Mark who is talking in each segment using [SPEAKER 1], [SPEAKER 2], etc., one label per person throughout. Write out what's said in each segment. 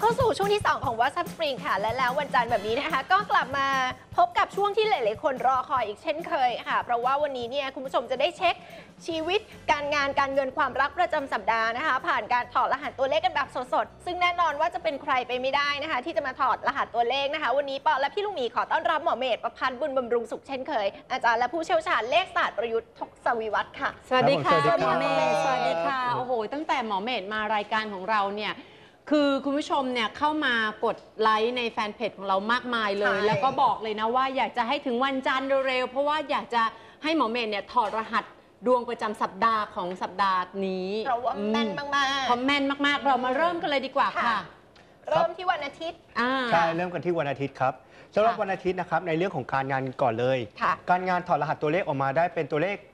[SPEAKER 1] เข้าสู่ช่วงที่ 2 ของ WhatsApp Spring ค่ะและแล้ววันจันทร์แบบนี้นะคะก็กลับมาพบกับช่วงที่หลายๆคนรอคอยอีกเช่นเคยค่ะเพราะว่าวันนี้เนี่ยคุณผู้ชมจะได้เช็คชีวิตการงานการเงินความรักประจำสัปดาห์นะคะผ่านการถอดรหัสตัวเลขกันแบบสดๆซึ่งแน่นอนว่าจะเป็นใครไปไม่ได้นะคะที่จะมาถอดรหัสตัวเลขนะคะวันนี้ปอและพี่ลูกหมีขอต้อนรับหมอเมธประพันธ์บุญบำรุงสุขเช่นเคยอาจารย์และผู้เชี่ยวชาญเลขศาสตร์ประยุทธ์ทศวิวัฒน์ค่ะ
[SPEAKER 2] สวัสดีค่ะ
[SPEAKER 3] หมอ
[SPEAKER 2] เมธสวัสดีค่ะโอ้โหตั้งแต่หมอเมธมารายการของเราเนี่ยคือคุณผู้ชมเนี่ยเข้ามากดไลค์ในแฟนเพจของเรามากมายเลยแล้วก็บอกเลยนะว่าอยากจะให้ถึงวันจันทร์เร็วๆเพราะว่าอยากจะให้หมอเมธเนี่ยถอดรหัสดวงประจำสัปดาห์ของสัปดาห์นี้
[SPEAKER 1] เพราะว่าแม่นมากๆ
[SPEAKER 2] เพราะแม่นมากๆเรามาเริ่มกันเลยดีกว่าค่ะ
[SPEAKER 1] เริ่มที่วันอาทิตย์
[SPEAKER 3] ใช่เริ่มกันที่วันอาทิตย์ครับสำหรับวันอาทิตย์นะครับในเรื่องของการงานก่อนเลยการงานถอดรหัสตัวเลขออกมาได้เป็นตัวเลข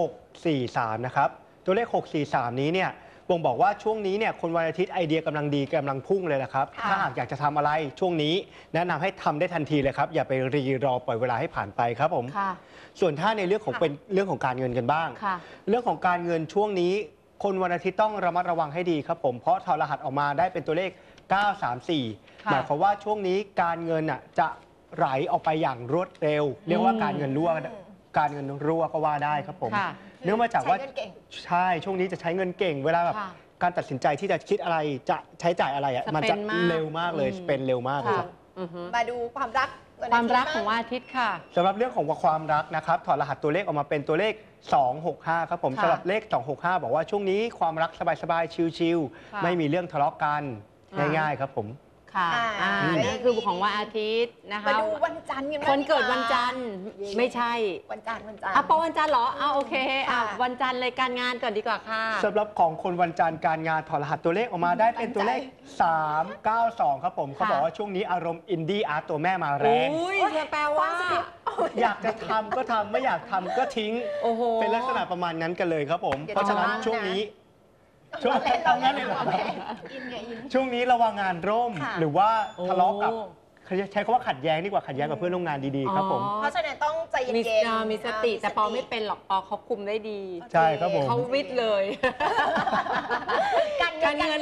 [SPEAKER 3] 643นะครับตัวเลข643นี้เนี่ยบ่งบอกว่าช่วงนี้เนี่ยคนวันอาทิตย์ไอเดียกำลังดีกำลังพุ่งเลยนะครับถ้าหากอยากจะทำอะไรช่วงนี้แนะนำให้ทำได้ทันทีเลยครับอย่าไปรีรอปล่อยเวลาให้ผ่านไปครับผมส่วนถ้าในเรื่องของเป็นเรื่องของการเงินกันบ้างเรื่องของการเงินช่วงนี้คนวันอาทิตย์ต้องระมัดระวังให้ดีครับผมเพราะถอดรหัสออกมาได้เป็นตัวเลข934หมายความว่าช่วงนี้การเงินจะไหลออกไปอย่างรวดเร็วเรียกว่าการเงินรั่วก็ว่าได้ครับผมเนื่องมาจากว่าใช่ช่วงนี้จะใช้เงินเก่งเวลาแบบการตัดสินใจที่จะคิดอะไรจะใช้จ่ายอะไรมันจะเร็วมากเลยเป็นเร็วมากครับ
[SPEAKER 1] มาดูความรัก
[SPEAKER 2] ของวันอาทิตย์ค่ะ
[SPEAKER 3] สำหรับเรื่องของความรักนะครับถอดรหัสตัวเลขออกมาเป็นตัวเลข265ครับผมสำหรับเลข265บอกว่าช่วงนี้ความรักสบายๆชิลๆไม่มีเรื่องทะเลาะกันง่ายๆครับผม
[SPEAKER 2] ค่ะนี่คือของวันอาทิตย์นะคะ
[SPEAKER 1] มาดูวันจันทร์
[SPEAKER 2] คนเกิดวันจันทร์ไม่ใช่
[SPEAKER 1] วันจันทร์
[SPEAKER 2] ปอวันจันทร์เหรอโอเควันจันทร์เลยการงานก่อนดีกว่าค่ะ
[SPEAKER 3] สำหรับของคนวันจันทร์การงานถอดรหัสตัวเลขออกมาได้เป็นตัวเลข392ครับผมเขาบอกว่าช่วงนี้อารมณ์อินดี้อาร์ตตัวแม่มาแรง
[SPEAKER 2] แปลว่า
[SPEAKER 3] อยากจะทำก็ทำไม่อยากทำก็ทิ้งเป็นลักษณะประมาณนั้นกันเลยครับผมเพราะฉะนั้นช่วงนี้ช่วงนี้ระวังงานร่มหรือว่าทะเลาะกับใช้คำว่าขัดแย้งดีกว่าขัดแย้งกับเพื่อนร่วมงานดีๆครับผม
[SPEAKER 1] เพราะฉะนั้นต้องใจเย็น
[SPEAKER 2] ๆมีสติแต่ปอไม่เป็นหรอกปอเขาคุมได้ดี
[SPEAKER 3] ใช่ครับผม
[SPEAKER 2] เขาวิทย์เลยการเงิ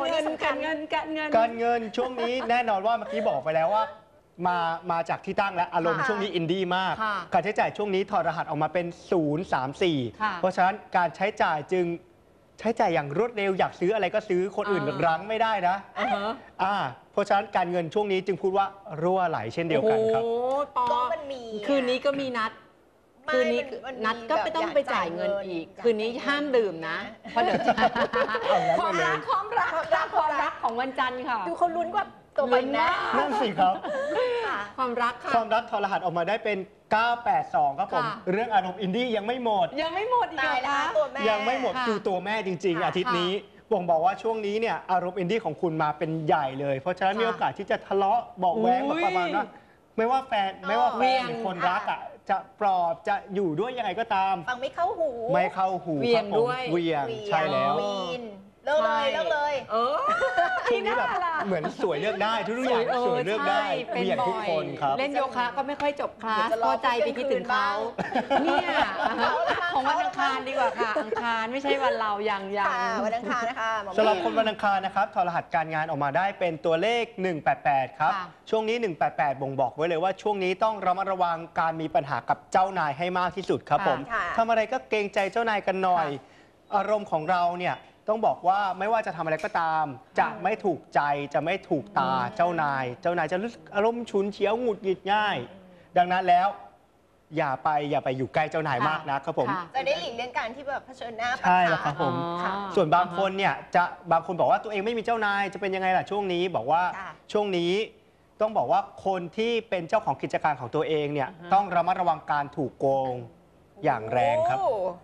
[SPEAKER 3] นช่วงนี้แน่นอนว่าเมื่อกี้บอกไปแล้วว่ามาจากที่ตั้งและอารมณ์ช่วงนี้อินดี้มากการใช้จ่ายช่วงนี้ถอดรหัสออกมาเป็น034เพราะฉะนั้นการใช้จ่ายจึงใช้จ่ายอย่างรวดเร็วอยากซื้ออะไรก็ซื้อคนอื่นรั้งไม่ได้นะเพราะฉะนั้นการเงินช่วงนี้จึงพูดว่ารั่วไหลเช่นเดียวกันครับ
[SPEAKER 1] ก็มันมี
[SPEAKER 2] คืนนี้ก็มีนัดคืนนี้นัดก็ไม่ต้องไปจ่ายเงินอีกคืนนี้ห้ามดื่มนะเพราะเดี๋ยวความรักของวันจันทร์ค่ะ
[SPEAKER 1] ดูเขาลุ้นกว่าตัวไปนะ
[SPEAKER 3] นั่นสิครับ
[SPEAKER 2] ความรัก
[SPEAKER 3] ถอดรหัสออกมาได้เป็น982ครับผมเรื่องอารมณ์อินดี้ยังไม่หมด
[SPEAKER 2] อีก
[SPEAKER 1] นะ
[SPEAKER 3] ยังไม่หมดคือตัวแม่จริงๆอาทิตย์นี้บ่งบอกว่าช่วงนี้เนี่ยอารมณ์อินดี้ของคุณมาเป็นใหญ่เลยเพราะฉะนั้นมีโอกาสที่จะทะเลาะเบาแว้งแบบประมาณว่าไม่ว่าแฟนหรือคนรักจะปลอบจะอยู่ด้วยยังไงก็ตาม
[SPEAKER 1] ฟังไม่เข้าหู
[SPEAKER 3] เวียงใช่แล้ว
[SPEAKER 1] เลิกเลย
[SPEAKER 3] ช่วงนี้แบบเหมือนสวยเลือกได้ทุกอย่างสวยเลือกได้เวียงทุกคนครับ
[SPEAKER 2] เล่นโยคะก็ไม่ค่อยจบคลาสพอใจไปคิดถึงเขาเนี่ยของวันอังคารดีกว่าค่ะอังคารไม่ใช่วันเราอย่าง
[SPEAKER 1] วันอังคารนะคะ
[SPEAKER 3] สำหรับคนวันอังคารนะครับถอดรหัสการงานออกมาได้เป็นตัวเลข188ครับช่วงนี้188บ่งบอกไว้เลยว่าช่วงนี้ต้องระมัดระวังการมีปัญหากับเจ้านายให้มากที่สุดครับผมทำอะไรก็เกรงใจเจ้านายกันหน่อยอารมณ์ของเราเนี่ยต้องบอกว่าไม่ว่าจะทำอะไรก็ตามจะไม่ถูกใจจะไม่ถูกตาเจ้านายจะรู้สึกอารมณ์ฉุนเฉียวหงุดหงิดง่ายดังนั้นแล้วอย่าไปอยู่ใกล้เจ้านายมากนะครับผม
[SPEAKER 1] จะได้หลีกเลี่ยงการที่แบบเผชิญหน้า
[SPEAKER 3] ใช่แล้วครับผมส่วนบางคนเนี่ยบางคนบอกว่าตัวเองไม่มีเจ้านายจะเป็นยังไงล่ะช่วงนี้บอกว่าช่วงนี้ต้องบอกว่าคนที่เป็นเจ้าของกิจการของตัวเองเนี่ยต้องระมัดระวังการถูกโกงอย่างแรงครับ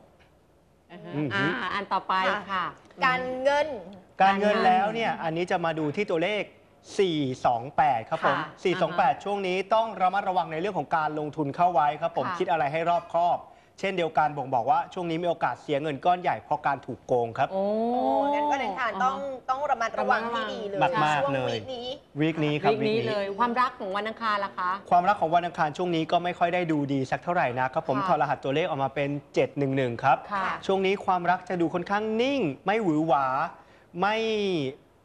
[SPEAKER 2] อันต่อไปค่ะ
[SPEAKER 1] การเงิน
[SPEAKER 3] แล้วเนี่ยอันนี้จะมาดูที่ตัวเลข428ครับผม428ช่วงนี้ต้องระมัดระวังในเรื่องของการลงทุนเข้าไว้ครับผมคิดอะไรให้รอบคอบเช่นเดียวกันบ่งบอกว่าช่วงนี้มีโอกาสเสียเงินก้อนใหญ่เพราะการถูกโกงครับ
[SPEAKER 1] งั้นก็เดินทางต้องระมัดระวังที่ดีเลย
[SPEAKER 3] มากๆเลยวีคนี้ครับ
[SPEAKER 2] วีคนี้เลยความรักของวันอังคารล่ะคะ
[SPEAKER 3] ความรักของวันอังคารช่วงนี้ก็ไม่ค่อยได้ดูดีสักเท่าไหร่นะครับผมถอดรหัสตัวเลขออกมาเป็น711ครับช่วงนี้ความรักจะดูค่อนข้างนิ่งไม่หวือหวา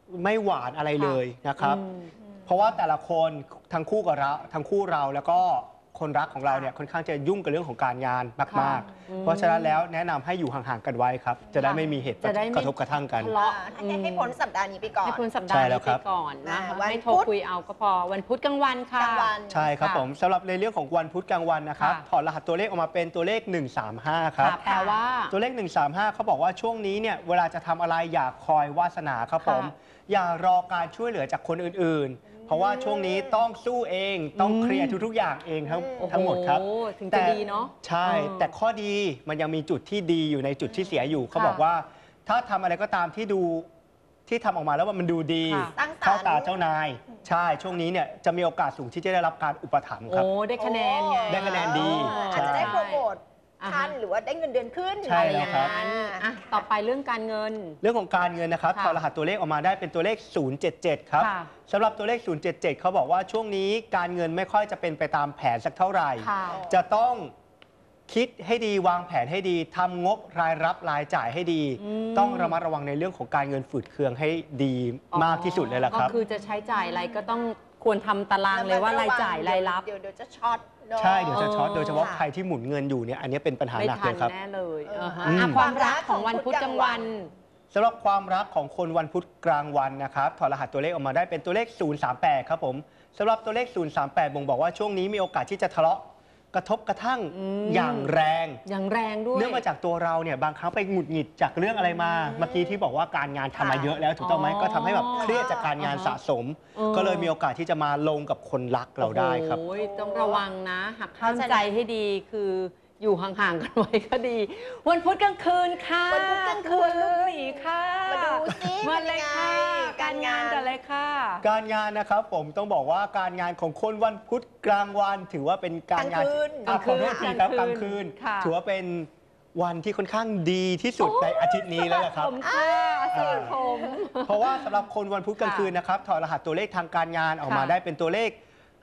[SPEAKER 3] ไม่หวานอะไรเลยนะครับ
[SPEAKER 2] อืม
[SPEAKER 3] เพราะว่าแต่ละคนทั้งคู่เราแล้วก็คนรักของเราเนี่ยค่อนข้างจะยุ่งกับเรื่องของการงานมาก
[SPEAKER 2] อืม
[SPEAKER 3] ๆ เพราะฉะนั้นแล้วแนะนำให้อยู่ห่างๆกันไว้ครับ จะได้ไม่มีเหตุ
[SPEAKER 2] จะได้ไม่
[SPEAKER 3] กระทบกระทั่งกัน
[SPEAKER 2] ทะเลาะ
[SPEAKER 1] ให้พ้นสัปดาห์นี้ไปก่อน
[SPEAKER 2] ให้พ้นสัปดาห์
[SPEAKER 3] ใช่แล้
[SPEAKER 2] นี้
[SPEAKER 3] วค
[SPEAKER 2] ไป
[SPEAKER 3] รับ
[SPEAKER 2] ก่อนนะคะ
[SPEAKER 1] วัน
[SPEAKER 2] ไม่โทร
[SPEAKER 1] พุธ
[SPEAKER 2] คุยเอาก็พอวันพุธกลางวันค่ะ
[SPEAKER 1] กลางวัน
[SPEAKER 3] ใช่ครับ
[SPEAKER 2] ค่ะ
[SPEAKER 3] ผมสำหรับในเรื่องของวันพุธกลางวันนะครับ
[SPEAKER 2] ค่ะ
[SPEAKER 3] ถอดรหัสตัวเลขออกมาเป็นตัวเลข 135 ครับ
[SPEAKER 2] ค่ะแปลว่า
[SPEAKER 3] ตัวเลข 135เขาบอกว่าช่วงนี้เนี่ยเวลาจะทำอะไรอย่าคอยวาสนาครับผม
[SPEAKER 2] ค่ะ
[SPEAKER 3] อย่ารอการช่วยเหลือจากคนอื่นๆ เพราะว่าช่วงนี้ต้องสู้เองต้องเคลียร์ทุกๆอย่างเองทั้งหมดครับ
[SPEAKER 2] โอ้โหถึงจะดีเนาะ
[SPEAKER 3] ใช่ แต่ข้อดีมันยังมีจุดที่ดีอยู่ในจุดที่เสียอยู่เขา
[SPEAKER 2] ค่ะ
[SPEAKER 3] บอกว่าถ้าทำอะไรก็ตามที่ทำออกมาแล้วมันดูดี
[SPEAKER 2] ค่ะ
[SPEAKER 1] สร้างสรรค์
[SPEAKER 3] เข้าตาเจ้านาย ใช่ช่วงนี้เนี่ยจะมีโอกาสสูงที่จะได้รับการอุปถัมภ์ครับ
[SPEAKER 2] โอ้ได้คะแนนไง
[SPEAKER 3] ได้คะแนนดี
[SPEAKER 1] อาจจะได้โปรโมท
[SPEAKER 2] อ่า
[SPEAKER 1] ขั้นหรือว่าได้เงินเดือนขึ้น
[SPEAKER 3] ใช่แล้วครับ
[SPEAKER 1] อะไอย่างนั้น
[SPEAKER 2] อ่ะต่อไปเรื่องการเงิน
[SPEAKER 3] เรื่องของการเงินนะครับ
[SPEAKER 2] ค่ะ
[SPEAKER 3] ถอดรหัสตัวเลขออกมาได้เป็นตัวเลข 077 ครับ
[SPEAKER 2] ค่ะ
[SPEAKER 3] สำหรับตัวเลข 077 เขาบอกว่าช่วงนี้การเงินไม่ค่อยจะเป็นไปตามแผนสักเท่าไหร่
[SPEAKER 2] ค่ะ
[SPEAKER 3] จะต้องคิดให้ดีวางแผนให้ดีทำงบรายรับรายจ่ายให้ดี
[SPEAKER 2] อืม
[SPEAKER 3] ต้องระมัดระวังในเรื่องของการเงินฝืดเคืองให้ดีมากที่สุดเลยล่ะครับ
[SPEAKER 2] ก็คือจะใช้จ่ายอะไรก็ต้องควรทำตารางเลยว่ารายจ่ายรายรับ
[SPEAKER 1] เดี๋ยวจะช็อตเนอะ
[SPEAKER 3] ใช่เดี๋ยวจะช็อต
[SPEAKER 2] เออ
[SPEAKER 3] โดยเฉพาะใครที่หมุนเงินอยู่เนี่ยอันนี้เป็นปัญหา
[SPEAKER 2] ไม่
[SPEAKER 3] หนัก
[SPEAKER 2] ทั
[SPEAKER 3] เล
[SPEAKER 2] น
[SPEAKER 3] ยครับ
[SPEAKER 2] แน่เลย
[SPEAKER 1] เออ
[SPEAKER 2] ฮะ
[SPEAKER 3] อืม
[SPEAKER 2] อ่ะความรักของวันพุธกลางวัน
[SPEAKER 3] สำหรับความรักของคนวันพุธกลางวันนะครับถอดรหัสตัวเลขออกมาได้เป็นตัวเลข 038 ครับผมสำหรับตัวเลข 038 บ่งบอกว่าช่วงนี้มีโอกาสที่จะทะเลาะกระทบกระทั่ง
[SPEAKER 2] อืม
[SPEAKER 3] อย่างแรง
[SPEAKER 2] อย่างแรงด้วย
[SPEAKER 3] เนื่องมาจากตัวเราเนี่ยบางครั้งไปหงุดหงิดจากเรื่องอะไรมา เมื่อกี้ที่บอกว่าการงานทำมาเยอะแล้วถูกต้องไหม
[SPEAKER 2] อ๋อ
[SPEAKER 3] ก็ทำให้แบบเครียดจากการงานสะสม
[SPEAKER 2] เออ
[SPEAKER 3] ก็เลยมีโอกาสที่จะมาลงกับคนรักเราได้ครับ
[SPEAKER 2] โอ้ยต้องระวังนะหักห้ามใจให้ดีคืออยู่ห่างๆกันไว้ก็ดี วันพุธกลางคืนค่ะ
[SPEAKER 1] วันพุธกลางคืน
[SPEAKER 2] ณลูกหมีค่ะ
[SPEAKER 1] มาดูซิ
[SPEAKER 2] มาเลยค่ะ
[SPEAKER 1] เป็นยังไง
[SPEAKER 2] การงานแต่เลยค่ะ
[SPEAKER 3] การงานนะครับผมต้องบอกว่าการงานของคนวันพุธกลางวันถือว่าเป็นการงาน
[SPEAKER 1] กลางคืน
[SPEAKER 3] ขอโทษทีครับก
[SPEAKER 2] ก
[SPEAKER 3] ลา
[SPEAKER 2] ลาง งคื
[SPEAKER 3] คืน
[SPEAKER 2] นค่ะ
[SPEAKER 3] ถือว่าเป็นวันที่ค่อนข้างดีที่สุดในอาทิตย์นี้แล้วล่ะครับ
[SPEAKER 2] ผมค่ะสลัดผม
[SPEAKER 3] เพราะว่าสำหรับคนวันพุธกลางคืนนะครับถอดรหัสตัวเลขทางการงานออกมา
[SPEAKER 2] ค่ะ
[SPEAKER 3] ได้เป็นตัวเลข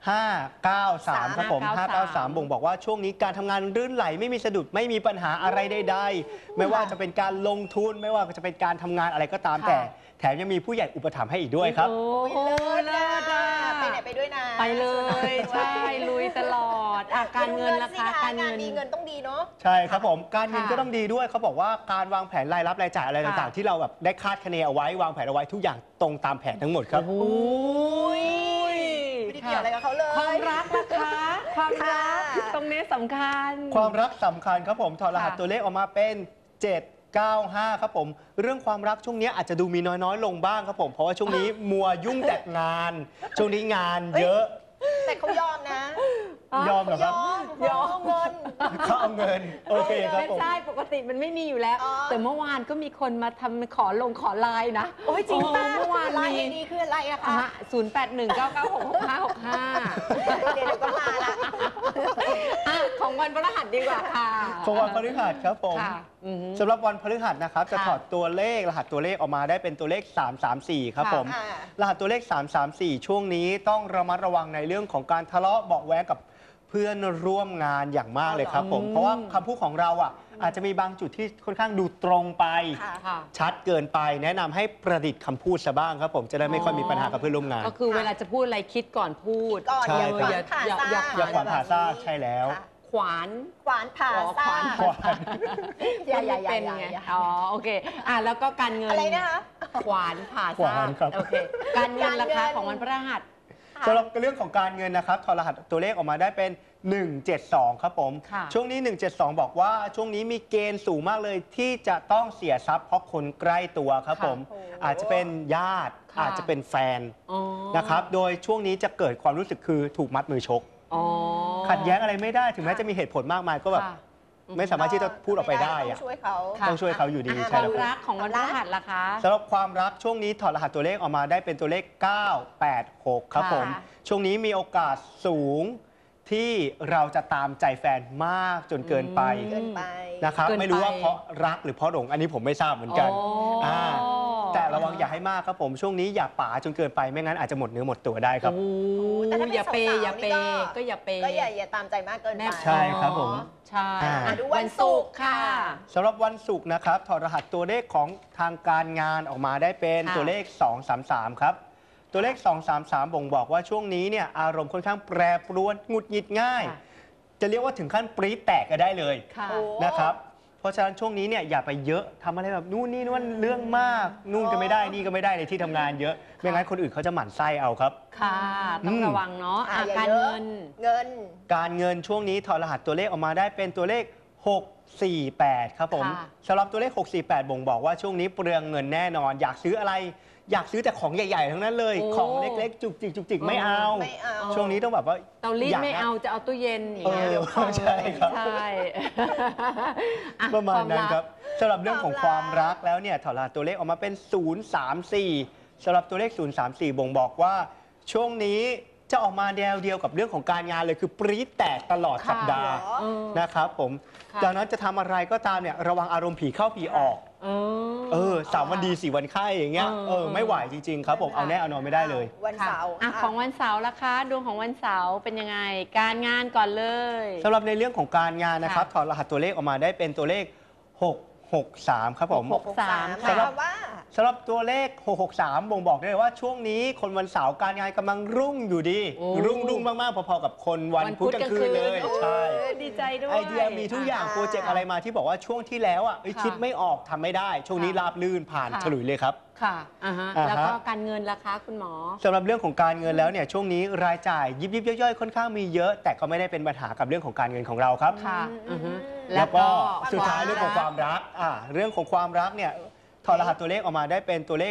[SPEAKER 3] 593 ครับผม 593 บ่งบอกว่าช่วงนี้การทำงานรื่นไหลไม่มีสะดุดไม่มีปัญหาอะไรใดๆไม่ว่าจะเป็นการลงทุนไม่ว่าจะเป็นการทำงานอะไรก็ตาม
[SPEAKER 2] ค่ะ
[SPEAKER 3] แต่แถมยังมีผู้ใหญ่อุปถัมภ์ให้อีกด้วยครับ
[SPEAKER 2] โอ้
[SPEAKER 1] โอ้ย
[SPEAKER 2] โห
[SPEAKER 1] เลิศ
[SPEAKER 2] เลิ
[SPEAKER 1] อะ
[SPEAKER 2] ศอะ
[SPEAKER 1] ไปไหนไปด้วยนะ
[SPEAKER 2] ไปเลย ใช่ ลุยตลอดอ่ะการเงินล่ะคะ
[SPEAKER 1] กา
[SPEAKER 2] การ ร
[SPEAKER 1] เงิ
[SPEAKER 2] เงิ
[SPEAKER 1] น
[SPEAKER 2] น
[SPEAKER 1] ดีเงินต้องดีเนาะ
[SPEAKER 3] ใช่ครับผมการเงิน
[SPEAKER 2] ค่ะ
[SPEAKER 3] ก็ต้องดีด้วยเขาบอกว่าการวางแผนรายรับรายจ่ายอะไร
[SPEAKER 2] ค่ะ
[SPEAKER 3] ต่างๆ ที่เราแบบได้คาดคะเนเอาไว้วางแผนเอาไว้ทุกอย่างตรงตามแผนทั้งหมดครับ
[SPEAKER 2] โอ้ย
[SPEAKER 1] ไม่ได้เกี่ยวอะไรกับเขาเลย
[SPEAKER 2] ความรักนะคะ ความรัก
[SPEAKER 1] ค่ะ
[SPEAKER 2] ตรงนี้สำคัญ
[SPEAKER 3] ความรักสำคัญครับผมถอดรหัส
[SPEAKER 2] ค่ะ
[SPEAKER 3] ตัวเลขออกมาเป็น 795 ครับผมเรื่องความรักช่วงนี้อาจจะดูมีน้อยๆ ลงบ้างครับผมเพราะว่าช่วงนี้มัวยุ่งแต่งาน ช่วงนี้งานเยอะ
[SPEAKER 1] แต่เขายอมนะ
[SPEAKER 3] ยอมเหรอครับ
[SPEAKER 1] ยอมเงิน
[SPEAKER 3] เขาเอาเงินโอเคครับ
[SPEAKER 2] ไม่
[SPEAKER 3] ผม
[SPEAKER 2] ใช่ปกติมันไม่มีอยู่แล้ว
[SPEAKER 1] อ๋อ
[SPEAKER 2] แต่เมื่อวานก็มีคนมาทำขอไลน์นะ
[SPEAKER 1] โอ้ยจริงป่ะ
[SPEAKER 2] เมื่อวาน
[SPEAKER 1] ไล
[SPEAKER 2] มี
[SPEAKER 1] น์ไอดีคืออะไรอะคะ
[SPEAKER 2] 0819966565
[SPEAKER 1] เดี๋ยวก็มาละ
[SPEAKER 2] ของวันพฤหัสดีกว่าค่ะ
[SPEAKER 3] ของวันพฤหัสครับผม
[SPEAKER 2] ค่ะอือฮึ
[SPEAKER 3] สำหรับวันพฤหัสนะครับจะ
[SPEAKER 2] ค่ะ
[SPEAKER 3] ถอดตัวเลขรหัสตัวเลขออกมาได้เป็นตัวเลข 334 ครับ
[SPEAKER 2] ค่ะ
[SPEAKER 3] ผม
[SPEAKER 1] อ่า
[SPEAKER 3] รหัสตัวเลข 334 ช่วงนี้ต้องระมัดระวังในเรื่องของการทะเลาะเบาะแว้งกับเพื่อนร่วมงานอย่างมากเลยครับผม
[SPEAKER 2] อืม
[SPEAKER 3] เพราะว่าคำพูดของเราอ่ะอาจจะมีบางจุดที่ค่อนข้างดูตรงไป
[SPEAKER 1] ค่ะ
[SPEAKER 2] ค่ะ
[SPEAKER 3] ชัดเกินไป แนะนำให้ประดิษฐ์คำพูดซะบ้างครับผมจะได้ไม่ค่อยมีปัญหากับเพื่อนร่วมงาน
[SPEAKER 2] ก็คือเวลาจะพูดอะไรคิดก่อนพูด
[SPEAKER 1] ก่อน
[SPEAKER 3] ใช่
[SPEAKER 1] อย่า
[SPEAKER 3] ครับ
[SPEAKER 1] ขวานผ่าซ่า
[SPEAKER 3] อย่าขวานผ่าซ่าใช่แล้ว
[SPEAKER 1] ค่ะ
[SPEAKER 2] ขวาน
[SPEAKER 1] ขวานผ่า
[SPEAKER 2] อ๋อ
[SPEAKER 1] ซ่า
[SPEAKER 2] ขวาน
[SPEAKER 3] ขวาน
[SPEAKER 1] อย่า
[SPEAKER 2] เป็นไงอ๋อโอเคแล้วก็การเงิน
[SPEAKER 1] อะไรนะคะ
[SPEAKER 2] ขวานผ่า
[SPEAKER 3] ขวา
[SPEAKER 2] ซ่าน
[SPEAKER 3] ครับ
[SPEAKER 2] โอเคการเงินรา
[SPEAKER 1] การ
[SPEAKER 2] คา
[SPEAKER 1] เงิน
[SPEAKER 2] ของวันพฤหัส
[SPEAKER 3] สำหรับเรื่องของการเงินนะครับถอดรหัสตัวเลขออกมาได้เป็น 172 ครับผม
[SPEAKER 2] ค่ะ
[SPEAKER 3] ช่วงนี้ 172 บอกว่าช่วงนี้มีเกณฑ์สูงมากเลยที่จะต้องเสียทรัพย์เพราะคนใกล้ตัวครับผม
[SPEAKER 1] โอ้
[SPEAKER 3] อาจจะเป็นญาติ
[SPEAKER 2] ค่ะ
[SPEAKER 3] อาจจะเป็นแฟน
[SPEAKER 2] อ๋อ
[SPEAKER 3] นะครับ โดยช่วงนี้จะเกิดความรู้สึกคือถูกมัดมือชก
[SPEAKER 2] อ๋อ
[SPEAKER 3] ขัดแย้งอะไรไม่ได้ถึงแม้จะมีเหตุผลมากมายก็แบบ
[SPEAKER 2] ค่ะ
[SPEAKER 3] ไม่สามารถที่จะพูดออกไปได้
[SPEAKER 1] ต้
[SPEAKER 3] อะ
[SPEAKER 1] องช่วยเขา
[SPEAKER 2] ค่ะ
[SPEAKER 3] ต้องช่วยเขาอยู่ดี
[SPEAKER 1] อ่ะ
[SPEAKER 3] ใช่
[SPEAKER 2] ค
[SPEAKER 3] แล้ว
[SPEAKER 2] วาม
[SPEAKER 3] ครับ
[SPEAKER 2] รักของวันพฤหัสล่ะคะ
[SPEAKER 3] สำหรับความรักช่วงนี้ถอดรหัสตัวเลขออกมาได้เป็นตัวเลข 986 ครับ
[SPEAKER 2] ค่ะ
[SPEAKER 3] ผม ช่วงนี้มีโอกาสสูงที่เราจะตามใจแฟนมากจนเกินไป
[SPEAKER 1] เกินไป
[SPEAKER 3] นะครับ
[SPEAKER 2] เกินไป
[SPEAKER 3] ไม่รู้ว่าเพราะรักหรือเพราะหลงอันนี้ผมไม่ทราบเหมือนกัน
[SPEAKER 2] อ๋ออ่
[SPEAKER 3] าแต่ระวังอย่าให้มากครับผมช่วงนี้อย่าป๋าจนเกินไปไม่งั้นอาจจะหมดเนื้อหมดตัวได้ครับ
[SPEAKER 2] โอ้
[SPEAKER 1] แต่ถ้าเป็น
[SPEAKER 2] อย่าเปย์
[SPEAKER 1] สาวๆ
[SPEAKER 2] อย่าเปย์
[SPEAKER 1] นี่
[SPEAKER 2] ก็อย่าเปย์
[SPEAKER 1] ก็อย่าตามใจมากเกินไป
[SPEAKER 3] ใช่ครับผม
[SPEAKER 2] ใช่
[SPEAKER 1] ดูวันศุกร์ค่ะ
[SPEAKER 3] สำหรับวันศุกร์นะครับถอดรหัสตัวเลขของทางการงานออกมาได้เป็น
[SPEAKER 2] ค่ะ
[SPEAKER 3] ตัวเลข 233 ครับ ตัวเลข 233 บ่งบอกว่าช่วงนี้เนี่ยอารมณ์ค่อนข้างแปรปรวนหงุดหงิดง่าย
[SPEAKER 2] ค่ะ
[SPEAKER 3] จะเรียกว่าถึงขั้นปรี๊ดแตกก็ได้เลย
[SPEAKER 2] ค่ะ
[SPEAKER 1] โอ้
[SPEAKER 3] นะครับเพราะฉะนั้นช่วงนี้เนี่ยอย่าไปเยอะทำอะไรแบบนู่นนี่นั่นเรื่องมากนู่นก็ไม่ได้นี่ก็ไม่ได้ในที่ทำงานเยอะไม่งั้นคนอื่นเขาจะหมั่นไส้เอาครับ
[SPEAKER 2] ค่ะ ต้องระวังเนาะ
[SPEAKER 1] อย่
[SPEAKER 2] การ
[SPEAKER 1] เยอะ
[SPEAKER 2] เงิน
[SPEAKER 1] เงิน
[SPEAKER 3] การเงินช่วงนี้ถอดรหัสตัวเลขออกมาได้เป็นตัวเลข 648 ครับผม
[SPEAKER 2] ค่ะ
[SPEAKER 3] สำหรับตัวเลข 648 บ่งบอกว่าช่วงนี้เปลืองเงินแน่นอน อยากซื้ออะไร อยากซื้อแต่ของใหญ่ๆทั้งนั้นเลย ของเล็กๆ จุกจิกจุกจิกไม่เอา
[SPEAKER 1] ไม่เอา
[SPEAKER 3] ช่วงนี้ต้องแบบว่า
[SPEAKER 2] เตารีด
[SPEAKER 3] ยก
[SPEAKER 2] ไม่
[SPEAKER 3] นะ
[SPEAKER 2] เอาจะเอาตู้เย็นอย่างเงี้ย
[SPEAKER 3] เออ
[SPEAKER 2] เดี๋ยวพัง
[SPEAKER 3] ใช่ครับ
[SPEAKER 2] ใช่อ่
[SPEAKER 3] ประมาณนั้น
[SPEAKER 2] ว
[SPEAKER 3] ครับสำหรับเรื่องของความรักแล้วเนี่ยถอดรหัสตัวเลขออกมาเป็น 034สำหรับตัวเลข 034 บ่งบอกว่าช่วงนี้จะออกมาแนวเดียวกับเรื่องของการงานเลยคือปรี๊ดแตกตลอดสัปดาห์
[SPEAKER 1] เหรอ
[SPEAKER 2] เออ
[SPEAKER 3] นะครับผม
[SPEAKER 2] ค่ะ
[SPEAKER 3] จากนั้นจะทำอะไรก็ตามเนี่ยระวังอารมณ์ผีเข้าผีออก 3 วันดี 4 วันไข้อย่างเงี้ยไม่ไหวจริงๆครับผมเอาแน่เอานอนไม่ได้เลย
[SPEAKER 1] วันเสาร์
[SPEAKER 2] อ่ะของวันเสาร์ล่ะคะดวงของวันเสาร์เป็นยังไง การงานก่อนเลย
[SPEAKER 3] สำหรับในเรื่องของการงานนะครับ
[SPEAKER 2] ค่ะ
[SPEAKER 3] ถอดรหัสตัวเลขออกมาได้เป็นตัวเลข 663 ครับผม
[SPEAKER 1] 63
[SPEAKER 2] ค่ะ
[SPEAKER 1] หมายความว่า
[SPEAKER 3] สำหรับตัวเลข 663 บ่งบอกได้เลยว่าช่วงนี้คนวันเสาร์การงานกำลังรุ่งอยู่ดี
[SPEAKER 2] โอ้
[SPEAKER 3] รุ่งมากๆ พอๆกับคนวันพุธกลางคืนเลย
[SPEAKER 2] โอ้
[SPEAKER 3] ใช่
[SPEAKER 2] ดีใจด้วย
[SPEAKER 3] ไอเดียมีทุกอย่าง
[SPEAKER 1] อ่า
[SPEAKER 3] โปรเจกต์อะไรมาที่บอกว่าช่วงที่แล้วเอ้ย
[SPEAKER 2] ค่ะ
[SPEAKER 3] คิดไม่ออกทำไม่ได้ ช่วงนี้
[SPEAKER 2] ค่ะ
[SPEAKER 3] ราบลื่นผ่าน
[SPEAKER 2] ค่ะ
[SPEAKER 3] ฉลุยเลยครับ
[SPEAKER 2] ค่ะอ่าฮะ
[SPEAKER 3] อ่าฮะ
[SPEAKER 2] แล้วก็การเงินล่ะคะคุณหมอ
[SPEAKER 3] สำหรับเรื่องของการเงินแล้วเนี่ยช่วงนี้รายจ่ายยิบย่อยๆค่อนข้างมีเยอะ แต่ก็ไม่ได้เป็นปัญหากับเรื่องของการเงินของเราครับ
[SPEAKER 2] ค่ะ
[SPEAKER 1] อืม
[SPEAKER 2] อือฮึ
[SPEAKER 3] แล้วก็
[SPEAKER 1] ความ
[SPEAKER 3] สุดท้าย
[SPEAKER 1] รัก
[SPEAKER 3] เรื่องของความรักเรื่องของความรักเนี่ยถอดรหัสตัวเลขออกมาได้เป็นตัวเลข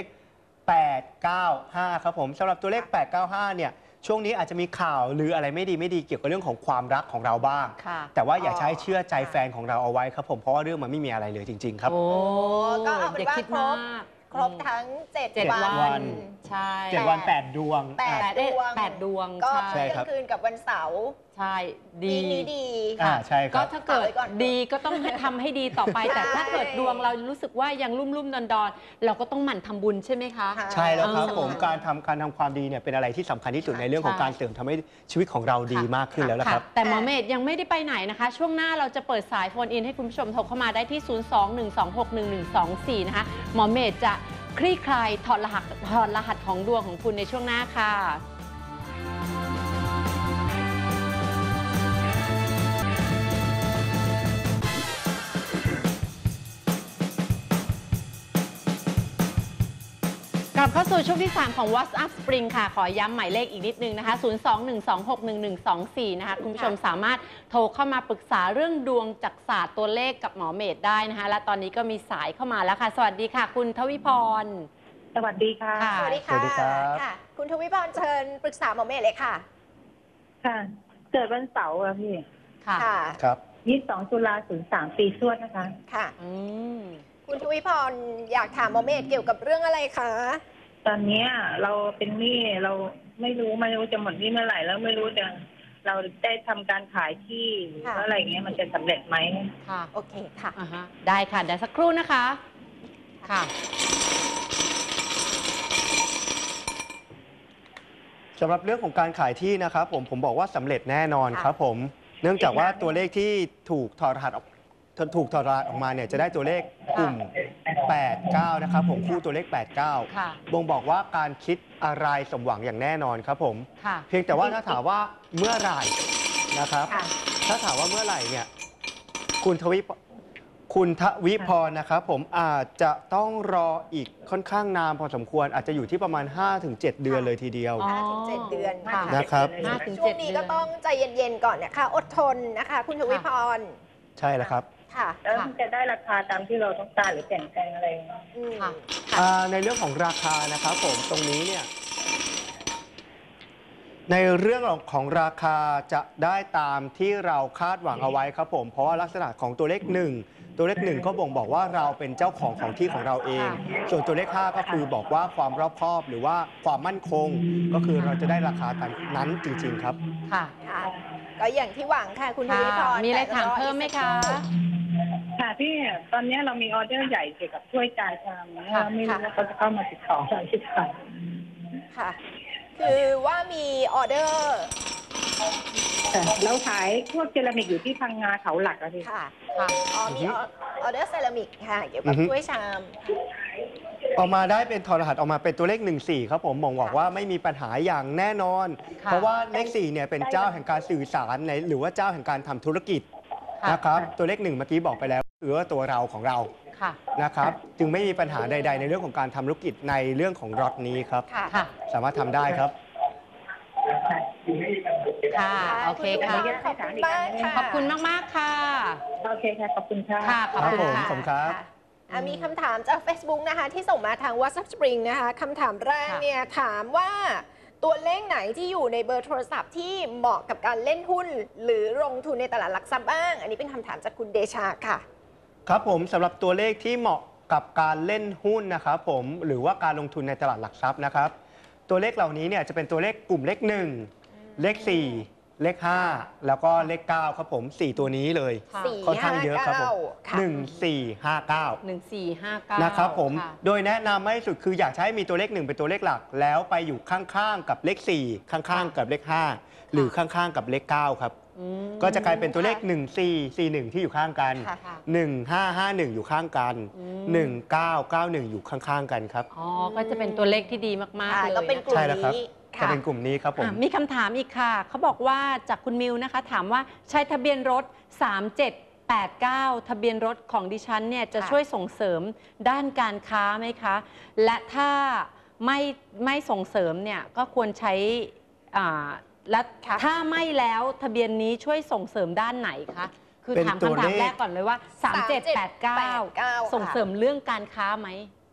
[SPEAKER 3] 895 ครับผมสำหรับตัวเลข 895 เนี่ยช่วงนี้อาจจะมีข่าวหรืออะไรไม่ดีเกี่ยวกับเรื่องของความรักของเราบ้าง
[SPEAKER 2] ค่ะ
[SPEAKER 3] แต่ว่าอย่าใช้เชื่อใจแฟนของเราเอาไว้ครับผมเพราะว่าเรื่องมันไม่มีอะไรเลยจริง ๆ ครับ
[SPEAKER 2] โอ้
[SPEAKER 1] ก็เอาเป็น
[SPEAKER 2] อย่า
[SPEAKER 1] ว่า
[SPEAKER 2] คิด
[SPEAKER 1] คร
[SPEAKER 2] มา
[SPEAKER 1] บ
[SPEAKER 2] ก
[SPEAKER 1] ครบทั้ง
[SPEAKER 2] เจ็ด
[SPEAKER 1] 7
[SPEAKER 3] วั
[SPEAKER 1] วัน
[SPEAKER 3] น
[SPEAKER 2] ใช่
[SPEAKER 3] 7 วัน 8 ดวง
[SPEAKER 1] แปด
[SPEAKER 2] 8
[SPEAKER 1] ดวง
[SPEAKER 2] 8 ดวง
[SPEAKER 1] ก็
[SPEAKER 2] ใช่
[SPEAKER 1] เที่ยงคืนกับวันเสาร์
[SPEAKER 2] ใช่ดี
[SPEAKER 1] ปีนี้ดี
[SPEAKER 3] ใช่ค
[SPEAKER 2] ก็
[SPEAKER 3] รับ
[SPEAKER 2] ถ้าเกิด
[SPEAKER 1] ฝากไว้ก่อน
[SPEAKER 2] ดีก็ต้องทำให้ดีต่อไป แต่ถ้าเกิดดวงเรารู้สึกว่ายังรุ่มๆดอนๆเราก็ต้องหมั่นทำบุญใช่ไหมคะ
[SPEAKER 1] ค่ะ
[SPEAKER 3] ใช่แล้วครับ
[SPEAKER 2] เออ
[SPEAKER 3] ผมการทำความดีเนี่ยเป็นอะไรที่สำคัญที่สุดในเรื่องของ
[SPEAKER 2] ใช่
[SPEAKER 3] การเสริมทำให้ชีวิตของเราดีมากขึ้นแล้วนะครับ
[SPEAKER 2] แต่หมอเมธยังไม่ได้ไปไหนนะคะ ช่วงหน้าเราจะเปิดสายโฟนอินให้คุณผู้ชมโทรเข้ามาได้ที่ 021261124 นะคะ หมอเมธจะคลี่คลายถอดรหัสของดวงของคุณในช่วงหน้าค่ะ กลับเข้าสู่ช่วงที่ 3 ของ WhatsApp Spring ค่ะ ขอย้ำหมายเลขอีกนิดนึงนะคะ 021261124 นะคะ คุณผู้ชมสามารถโทรเข้ามาปรึกษาเรื่องดวงจักรศาสตร์ตัวเลขกับหมอเมธได้นะคะ และตอนนี้ก็มีสายเข้ามาแล้วค่ะ สวัสดีค่ะ คุณทวิพร
[SPEAKER 4] สวัสดีค่ะ
[SPEAKER 2] ค่ะ
[SPEAKER 1] สวัสดี
[SPEAKER 3] สวัสดีครับ
[SPEAKER 1] ค่ะ คุณทวิพรเชิญปรึกษาหมอเมธเลยค่ะ
[SPEAKER 4] ค่ะ เกิดวันเสาร์อะพี่
[SPEAKER 2] ค่ะ
[SPEAKER 1] ค่ะ
[SPEAKER 3] ครับ
[SPEAKER 4] 22 ตุลา03 ปีชวดนะคะ
[SPEAKER 1] ค่ะ
[SPEAKER 2] อืม
[SPEAKER 1] คุณทวิพรอยากถามหมอเมธเกี่ยวกับเรื่องอะไรคะ
[SPEAKER 4] ตอนเนี้ยเราเป็นหนี้เราไม่รู้จะหมดหนี้เมื่อไหร่แล้วไม่รู้จะเราได้ทำการขายที่หรือว่าอะไรเงี้ยมันจะสำเร็จไหม
[SPEAKER 2] ค่ะ
[SPEAKER 1] โอเคค่ะ
[SPEAKER 2] อ่าฮะได้ค่ะ เดี๋ยวสักครู่นะคะ ค่ะ
[SPEAKER 3] สำหรับเรื่องของการขายที่นะครับผมบอกว่าสำเร็จแน่นอน
[SPEAKER 1] ค่ะ
[SPEAKER 3] ครับผม เนื่องจากว่าตัวเลขที่ถูกถอดรหัสออกมาเนี่ยจะได้ตัวเลขกลุ่ม 89 นะครับผมคู่ตัวเลข 89
[SPEAKER 2] ค่ะ
[SPEAKER 3] บ่งบอกว่าการคิดอะไรสมหวังอย่างแน่นอนครับผม
[SPEAKER 2] ค่ะ
[SPEAKER 3] เพียงแต่ว่าถ้าถามว่าเมื่อไหร่นะครับ
[SPEAKER 1] ค่ะ
[SPEAKER 3] ถ้าถามว่าเมื่อไหร่เนี่ยคุณทวิพรนะครับผมอาจจะต้องรออีกค่อนข้างนานพอสมควรอาจจะอยู่ที่ประมาณ 5-7 เดือนเลยทีเดียว
[SPEAKER 2] อ๋อ
[SPEAKER 1] 5-7 เดือน
[SPEAKER 2] ค่ะ
[SPEAKER 3] นะครับ
[SPEAKER 2] 5 ถึง
[SPEAKER 1] ช่วง
[SPEAKER 2] 7
[SPEAKER 1] นี้
[SPEAKER 2] เดื
[SPEAKER 1] ก็
[SPEAKER 2] อน
[SPEAKER 1] ต้องใจเย็นๆก่อนนะคะ อดทนนะคะ คุณทวิพร
[SPEAKER 3] ใช่แล้วครับ
[SPEAKER 1] ค่ะ
[SPEAKER 4] แล้วมันจะได้ราคาตามที่เราต้องการหรือเปลี่ยนแปลงอะไร
[SPEAKER 1] อืม
[SPEAKER 2] ค่ะ
[SPEAKER 3] ในเรื่องของราคานะครับผมตรงนี้เนี่ยในเรื่องของราคาจะได้ตามที่เราคาดหวังเอาไว้ครับผมเพราะว่าลักษณะของตัวเลข 1 ตัวเลข 1 ก็บ่งบอกว่าเราเป็นเจ้าของที่ของเราเอง ส่วนตัวเลข 5 ก็คือบอกว่าความรอบคอบหรือว่าความมั่นคง ก็คือเราจะได้ราคาตามนั้นจริง ๆ ครับ
[SPEAKER 2] ค่ะ
[SPEAKER 1] ค่ะ ก็อย่างที่หวังค่ะ คุณทวิพร
[SPEAKER 2] มีอะไร
[SPEAKER 1] แต่
[SPEAKER 2] ถามเพิ่มไหมคะ
[SPEAKER 4] ค่ะพี่ตอนนี้เรามีออเดอร์ใหญ่เกี่ยวกับถ้วยจานชามเนี่ยไม่รู้ว่าเขาจะเข้ามาติดต่อเราหรือเปล่า
[SPEAKER 1] ค่ะ คือว่ามีออเดอร์
[SPEAKER 4] เราขายพวกเจลามิกอยู่ที่พังงาเขาหลักอะพี่
[SPEAKER 1] ค่ะ
[SPEAKER 2] ค่ะ
[SPEAKER 1] อ๋อมีออเดอร์เซรามิกค่ะ เกี่ยวกับถ้วยชาม
[SPEAKER 3] ออกมาได้เป็นทอรหัสออกมาเป็นตัวเลข 14 ครับผมบอกว่าไม่มีปัญหาอย่างแน่นอน
[SPEAKER 2] ค่ะ
[SPEAKER 3] เพราะว่าเลข4เนี่ยเป็นเจ้าแห่งการสื่อสารในหรือว่าเจ้าแห่งการทำธุรกิจนะครับตัวเลข1เมื่อกี้บอกไปแล้วคือว่าตัวเราของเรา
[SPEAKER 2] ค่ะ
[SPEAKER 3] นะครับจึงไม่มีปัญหาใด ๆ ในเรื่องของการทำธุรกิจในเรื่องของรถนี้ครับ
[SPEAKER 1] ค่ะ
[SPEAKER 2] ค่ะ
[SPEAKER 3] สามารถทำได้ครับ
[SPEAKER 2] ค่ะ โอเคค่ะ
[SPEAKER 1] ขอบคุณมากค่ะ
[SPEAKER 2] ขอบคุณมาก ๆ ค่ะ
[SPEAKER 4] โอเคค่ะขอบคุณค่ะ
[SPEAKER 2] ค่ะ ขอบคุณ
[SPEAKER 3] ครับผม
[SPEAKER 2] ค่ะ
[SPEAKER 3] ขอบคุณครับ
[SPEAKER 1] มีคำถามจาก Facebook นะคะที่ส่งมาทาง WhatsApp Spring นะคะคำถามแรกเนี่ยถามว่าตัวเลขไหนที่อยู่ในเบอร์โทรศัพท์ที่เหมาะกับการเล่นหุ้น หรือลงทุนในตลาดหลักทรัพย์บ้าง อันนี้เป็นคำถามจากคุณเดชาค่ะ
[SPEAKER 3] ครับผมสำหรับตัวเลขที่เหมาะกับการเล่นหุ้นนะครับผมหรือว่าการลงทุนในตลาดหลักทรัพย์นะครับตัวเลขเหล่านี้เนี่ยจะเป็นตัวเลขกลุ่มเลข 1 เลข 4 เลข 5 แล้วก็เลข 9 ครับผม 4 ตัวนี้เลย
[SPEAKER 2] ค่ะ
[SPEAKER 3] ค่อนข้างเยอะครับผม
[SPEAKER 1] ค่ะ
[SPEAKER 3] 1 4 5 9
[SPEAKER 2] 1459
[SPEAKER 3] นะครับผม
[SPEAKER 2] ค่ะ
[SPEAKER 3] โดยแนะนำให้สุดคืออยากให้มีตัวเลข 1 เป็นตัวเลขหลัก แล้วไปอยู่ข้างๆกับเลข 4 ข้างๆกับเลข 5 หรือข้างๆกับเลข 9 ครับ
[SPEAKER 2] อืม
[SPEAKER 3] ก็จะกลายเป็นตัวเลข 1 4 4 1 ที่อยู่ข้างกัน
[SPEAKER 1] ค่ะ
[SPEAKER 3] 1 5 5 1 อยู่ข้างกัน 1 9 9 1 อยู่ข้างๆกันครับ
[SPEAKER 2] อ๋อ ก็จะเป็นตัวเลขที่ดีมาก ๆ เลย
[SPEAKER 1] ก็เป็นกลุ่ม
[SPEAKER 3] ใช่แล้วครับ
[SPEAKER 1] นี้
[SPEAKER 3] จะ
[SPEAKER 1] ค่ะ
[SPEAKER 3] เป็นกลุ่มนี้ครับผม
[SPEAKER 2] มีคำถามอีกค่ะ เขาบอกว่าจากคุณมิวนะคะ ถามว่าใช้ทะเบียนรถ 3789 ทะเบียนรถของดิฉันเนี่ยจะ
[SPEAKER 1] ค่ะ
[SPEAKER 2] ช่วยส่งเสริมด้านการค้าไหมคะ และถ้าไม่ส่งเสริมเนี่ยก็ควรใช้และถ้าไม่แล้วทะเบียนนี้ช่วยส่งเสริมด้านไหนคะ คือ
[SPEAKER 3] เป็น
[SPEAKER 2] ถาม
[SPEAKER 3] ตัว
[SPEAKER 2] คำถาม
[SPEAKER 3] เลข
[SPEAKER 2] แรกก่อนเลยว่า 3789 ส่งเสริมเรื่องการค้าไหม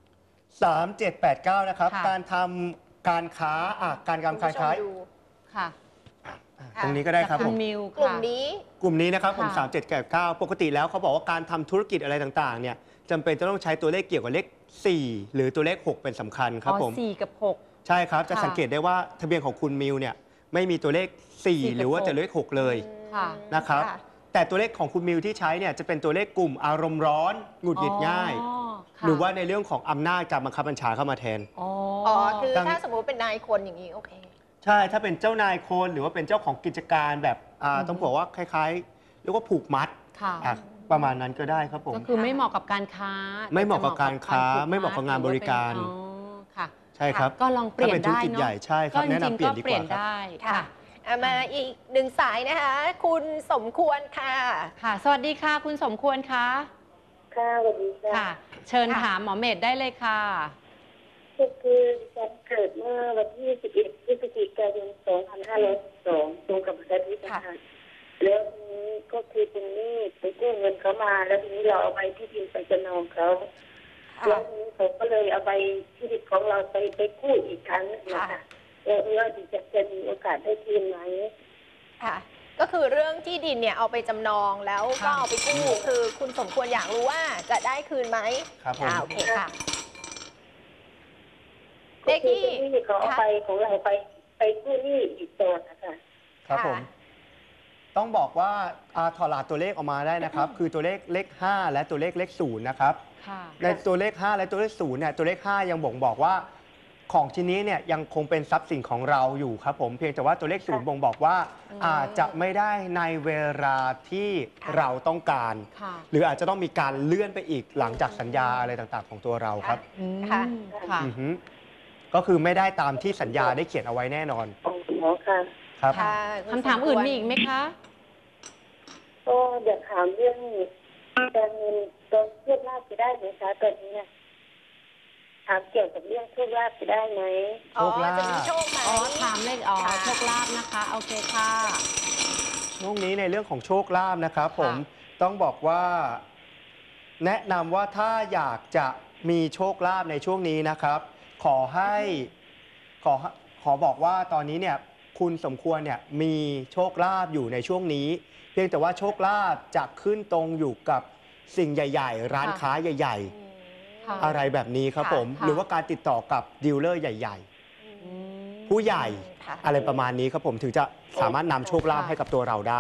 [SPEAKER 3] 3789 นะครับ
[SPEAKER 2] ค่ะ
[SPEAKER 3] การทำการค้าการ
[SPEAKER 1] คุณ
[SPEAKER 3] ค้า
[SPEAKER 1] ผู้ชม
[SPEAKER 3] ขาย
[SPEAKER 1] ดู
[SPEAKER 2] ค่ะ
[SPEAKER 3] ตรงนี้ก็ได้ครับ
[SPEAKER 2] จาก
[SPEAKER 3] ผ
[SPEAKER 2] คุ
[SPEAKER 3] ม
[SPEAKER 2] ณมิว
[SPEAKER 1] กลุ่ม
[SPEAKER 2] ค่ะ
[SPEAKER 1] นี้
[SPEAKER 3] กลุ่มนี้นะครับผม
[SPEAKER 2] ค่ะ
[SPEAKER 3] 3789 ปกติแล้วเขาบอกว่าการทำธุรกิจอะไรต่างๆเนี่ยจำเป็นจะต้องใช้ตัวเลขเกี่ยวกับเลข 4 หรือตัวเลข 6 เป็นสำคัญครับผม
[SPEAKER 2] 4 กับ 6
[SPEAKER 3] ใช่ครับ จะ
[SPEAKER 2] ค่ะ
[SPEAKER 3] สังเกตได้ว่าทะเบียนของคุณมิวเนี่ยไม่มีตัวเลข 4 หรือว่าตัวเลข 6 เลย
[SPEAKER 2] ค่ะ
[SPEAKER 3] นะครับ แต่ตัวเลขของคุณมิวที่ใช้เนี่ยจะเป็นตัวเลขกลุ่มอารมณ์ร้อนหงุดหงิดง่าย
[SPEAKER 2] ค่ะ
[SPEAKER 3] หรือว่าในเรื่องของอำนาจการบังคับบัญชาเข้ามาแทน
[SPEAKER 2] อ๋อ
[SPEAKER 1] อ๋อ คือ
[SPEAKER 3] ดัง
[SPEAKER 1] ถ้าสมมุติเป็นนายคนอย่างนี้ โอเค
[SPEAKER 3] ใช่ถ้าเป็นเจ้านายคนหรือว่าเป็นเจ้าของกิจการแบบต้องบอกว่าคล้ายๆเรียกว่าผูกมัด
[SPEAKER 2] ค่ะ
[SPEAKER 3] ประมาณนั้นก็ได้ครับผม
[SPEAKER 2] ก็คือไม่เหมาะกับการค้า
[SPEAKER 3] ไม่เหมาะกับการค้า
[SPEAKER 2] แต่จะ
[SPEAKER 3] ไม่เหมาะกับงานบริการ
[SPEAKER 2] อ๋อค่ะ
[SPEAKER 3] ใช่ครับ
[SPEAKER 2] ก็ลองเปลี่ยน
[SPEAKER 3] ถ้าเป็นธุร
[SPEAKER 2] ได้
[SPEAKER 3] กิจ
[SPEAKER 2] เนาะ
[SPEAKER 3] ใหญ่ใช่ครับ
[SPEAKER 2] ก็จ
[SPEAKER 3] แนะ
[SPEAKER 2] ริง
[SPEAKER 3] นำเปลี่ย
[SPEAKER 2] ๆก็
[SPEAKER 3] นดี
[SPEAKER 2] เป
[SPEAKER 3] ก
[SPEAKER 2] ลี่ย
[SPEAKER 3] ว่าน ครับ
[SPEAKER 2] ได้
[SPEAKER 1] ค่ะ
[SPEAKER 2] ค่ะ
[SPEAKER 1] มาอีกหนึ่งสายนะคะ คุณสมควรค่ะ
[SPEAKER 2] ค่ะ สวัสดีค่ะ คุณสมควรคะ
[SPEAKER 5] ค่ะสวัสดีค่ะ
[SPEAKER 2] ค่ะ เชิญ
[SPEAKER 1] ค่ะ
[SPEAKER 2] ถามหมอเมธได้เลยค่ะ
[SPEAKER 5] ก็คือดิฉันเกิดเมื่อวันที่ 11 พฤศจิกายน 2502 ตรงกับวันอาทิตย์นะคะแล้วทีนี้ก็คือเป็นหนี้ไปกู้เงินเขามา แล้วทีนี้เราเอาใบที่ดินไปจำนองเขา แล้วทีนี้เขาก็เลยเอาใบที่ดินของเราไปกู้อีกครั้งนะคะแล้วว่าดิฉันจะมีโอกาสได้คืนไหม
[SPEAKER 1] ค่ะ ก็คือเรื่องที่ดินเนี่ยเอาไปจำนองแล้วก็
[SPEAKER 2] ค่ะ
[SPEAKER 1] เอาไปกู้ คือคุณสมควรอยากรู้ว่าจะได้คืนไหม
[SPEAKER 3] ครับผม
[SPEAKER 1] โอเคค่ะ เล
[SPEAKER 5] ก็
[SPEAKER 1] ข
[SPEAKER 5] คือ
[SPEAKER 1] ที่
[SPEAKER 5] เป็นหนี้เขาเอาไปของเราไปกู้หนี้อีกต่อนะคะ
[SPEAKER 3] ครับผม ต้องบอกว่าถอดรหัสตัวเลขออกมาได้นะครับ คือตัวเลขเลข 5 และตัวเลขเลข 0 นะครับ
[SPEAKER 2] ค่ะ
[SPEAKER 3] ในตัวเลข 5 และตัวเลข 0 เนี่ย ตัวเลข 5 ยังบ่งบอกว่าของชิ้นนี้เนี่ยยังคงเป็นทรัพย์สินของเราอยู่ครับผม เพียงแต่ว่าตัวเลข 0 บ่งบอกว่าอาจจะไม่ได้ในเวลาที่เราต้องการ
[SPEAKER 2] ค่ะ
[SPEAKER 3] หรืออาจจะต้องมีการเลื่อนไปอีกหลังจากสัญญาอะไรต่างๆ ของตัวเราครับ
[SPEAKER 2] อืม
[SPEAKER 1] ค่ะ
[SPEAKER 2] ค่ะ
[SPEAKER 3] อือฮึก็คือไม่ได้ตามที่สัญญาได้เขียนเอาไว้แน่นอน
[SPEAKER 5] อ๋อค่ะ
[SPEAKER 3] ครับ
[SPEAKER 1] ค่ะณ
[SPEAKER 2] คำถามอื่น
[SPEAKER 1] สควร
[SPEAKER 2] มีอีกไหมคะ
[SPEAKER 5] ก็อยากถามเรื่องการเงินตอนโชคลาภจะได้ไหมคะตอนนี้เนี่ยถามเกี่ยวกับเรื่องโชคลาภจะได้ไหม
[SPEAKER 1] อ๋อ
[SPEAKER 3] โชคลาภ
[SPEAKER 1] จะมีโชคไหม
[SPEAKER 2] อ๋อ ถามเลยอ๋อ
[SPEAKER 1] ค่ะ
[SPEAKER 2] โชคลาภนะคะ โอเคค่ะ
[SPEAKER 3] ช่วงนี้ในเรื่องของโชคลาภนะครับผม
[SPEAKER 2] ค่ะ
[SPEAKER 3] ต้องบอกว่า แนะนำว่าถ้าอยากจะมีโชคลาภในช่วงนี้นะครับ ขอให้ขอบอกว่าตอนนี้เนี่ยคุณสมควรเนี่ยมีโชคลาภอยู่ในช่วงนี้ เพียงแต่ว่าโชคลาภจะขึ้นตรงอยู่กับสิ่งใหญ่ ๆ ร้านค้าใหญ่
[SPEAKER 2] ค่ะ
[SPEAKER 3] ๆ อะไรแบบนี้ครับผม
[SPEAKER 2] ค่ะ
[SPEAKER 3] หรือว่าการติดต่อกับดีลเลอร์ใหญ่
[SPEAKER 2] อืม
[SPEAKER 3] ๆ ผู้ใหญ่
[SPEAKER 1] ค่ะ
[SPEAKER 3] อะไรประมาณนี้ครับผมถึงจะสามารถนำโชคลาภให้กับตัวเราได้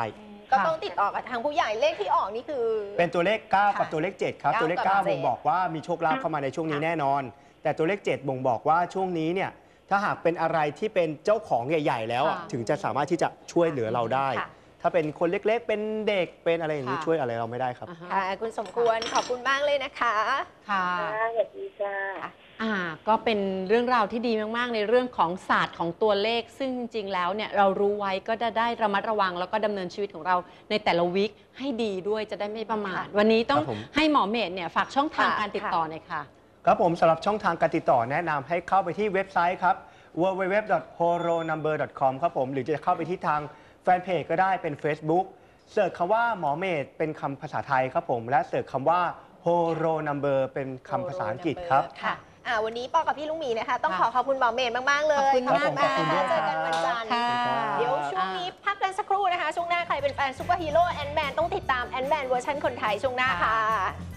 [SPEAKER 1] ก็ต้องติดต่อกับทางผู้ใหญ่เลขที่ออกนี่คือ
[SPEAKER 3] เป็นตัวเลข 9 กับตัวเลข 7 ครับ
[SPEAKER 1] 9
[SPEAKER 3] ตัวเลข
[SPEAKER 1] กับ
[SPEAKER 3] 9 บ่งบอกว่ามีโชคลาภเข้ามาในช่วงนี้แน่นอน แต่ตัวเลข 7 บ่งบอกว่าช่วงนี้เนี่ยถ้าหากเป็นอะไรที่เป็นเจ้าของใหญ่ ๆ แล้วอะ
[SPEAKER 2] ค่ะ
[SPEAKER 3] ถึงจะสามารถที่จะช่วยเหลือเราได้
[SPEAKER 1] ค่ะ
[SPEAKER 3] ถ้าเป็นคนเล็กๆ เป็นเด็กเป็นอะไรอย่างนี้
[SPEAKER 2] ค่ะ
[SPEAKER 3] ช่วยอะไรเราไม่ได้ครับ
[SPEAKER 2] อ่าฮะ
[SPEAKER 1] ค่ะคุณสมควรขอบคุณมากเลยนะคะ
[SPEAKER 2] ค่ะ
[SPEAKER 5] ค่ะสวัสดีค่ะ
[SPEAKER 2] ก็เป็นเรื่องราวที่ดีมากๆ ในเรื่องของศาสตร์ของตัวเลข ซึ่งจริงๆ แล้วเนี่ยเรารู้ไว้ก็จะได้ระมัดระวัง แล้วก็ดำเนินชีวิตของเราในแต่ละวีคให้ดีด้วยจะได้ไม่ประมาท วันนี้ต้อง
[SPEAKER 3] ครับผม
[SPEAKER 2] ให้หมอเมธเนี่ยฝากช่องทาง
[SPEAKER 1] ค่ะ
[SPEAKER 2] การติดต่อหน่อยค่ะ
[SPEAKER 3] ครับผมสำหรับช่องทางการติดต่อแนะนำให้เข้าไปที่เว็บไซต์ครับ www.horonumber.com ครับผมหรือจะเข้าไปที่ทางแฟนเพจก็ได้เป็น Facebook เสิร์ชคำว่าหมอเมธเป็นคำภาษาไทยครับผมและเสิร์ชคำว่า Horo Number เป็นคำภาษาอังกฤษครับ
[SPEAKER 1] ค่ะวันนี้ปอกับพี่ลุงหมีนะคะ ต้องขอคุณหมอเมธมากๆเลย
[SPEAKER 2] ขอบคุณมาก
[SPEAKER 3] ขอบคุณด้วย
[SPEAKER 1] เจอกันวันจันทร์
[SPEAKER 2] ค่ะ
[SPEAKER 1] เดี๋ยวช่วงนี้พักกันสักครู่นะคะ ช่วงหน้าใครเป็นแฟนซูเปอร์ฮีโร่แอนด์แมนต้องติดตามแอนด์แมนเวอร์ชันคนไทยช่วงหน้าค่ะ